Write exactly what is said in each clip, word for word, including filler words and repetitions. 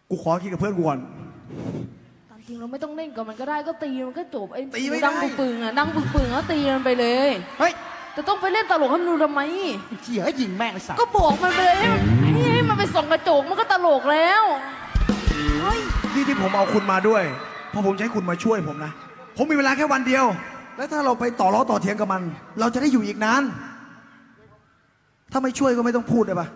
กูขอคิดกับเพื่อนกูก่อนตามจริงเราไม่ต้องเล่นกับมันก็ได้ก็ตีมันก็จบไอ้ตีไม่ได้ดังปึงปึงอ่ะดังปึงปึงแล้วตีมันไปเลยเฮ้ยแต่ต้องไปเล่นตลกให้มันดูทำไมเหี้ยยิงแม่งไอ้สัตว์ก็บอกมันไปเลยให้มันให้มันไปส่องกระจกมันก็ตลกแล้วเฮ้ยนี่ที่ผมเอาคุณมาด้วยเพราะผมจะให้คุณมาช่วยผมนะผมมีเวลาแค่วันเดียว แล้วถ้าเราไปต่อล้อต่อเถียงกับมัน เราจะได้อยู่อีกนานถ้าไม่ช่วยก็ไม่ต้องพูดเลยปะ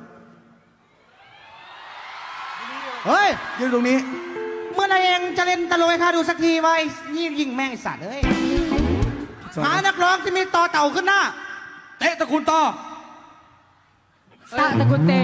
เฮ้ยยืนตรงนี้เมื่อไรเองจะเล่นตลกให้ข้าดูสักทีไว้นี่ยิงแม่งไอ้สัตว์เอ้ยหานักร้องที่มีต่อเต่าขึ้นหน้าเตะตะกุนต่อตาตะกุนเต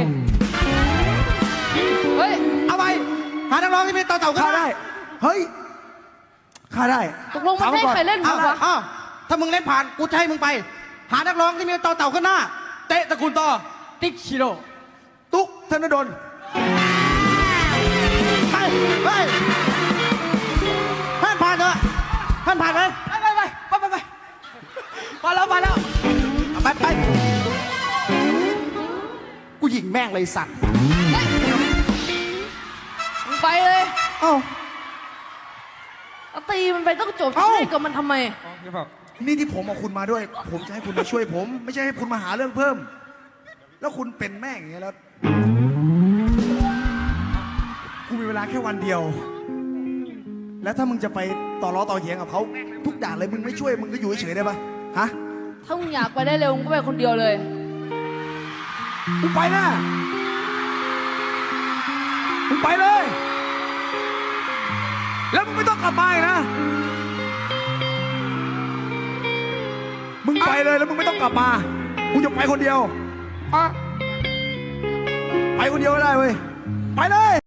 เฮ้ยเอาไปหานักร้องที่มีต่อเต่าขึ้นข้าหน้าได้เฮ้ยข้าได้ตกลงมันให้ใครเล่นเอาวะอ้าวถ้ามึงเล่นผ่านกูจะให้มึงไป หานักร้องที่มีต่อเต่าขึ้นหน้าเตะตะกุนต่อติ๊กชิโร่ตุ๊กธนดลไปไปท่านผ่านเถอะท่านผ่านเลยไปไปไปไปไปไปมาแล้วมาแล้วไปไปกูยิงแม่งเลยสัตว์มึงไปเลยเอ้าเอาตีมันไปต้องจบเอ้าเล่นกับมันทำไมนี่ที่ผมเอาคุณมาด้วย ผมจะให้คุณมาช่วยผม ไม่ใช่ให้คุณมาหาเรื่องเพิ่ม แล้วคุณเป็นแม่งอย่างเงี้ยแล้วกูมีเวลาแค่วันเดียว แล้วถ้ามึงจะไปต่อล้อต่อเถียงกับเขาทุกอย่างเลยมึงไม่ช่วยมึงก็อยู่เฉยๆได้ปะฮะถ้ามึงอยากไปได้เร็วมึงก็ไปคนเดียวเลยมึงไปนะมึงไปเลย แล้วมึงไม่ต้องกลับมาอีกนะมึงไปเลยแล้วมึงไม่ต้องกลับมากูจะไปคนเดียวอ่ะไปคนเดียวก็ได้เว้ยไปเลย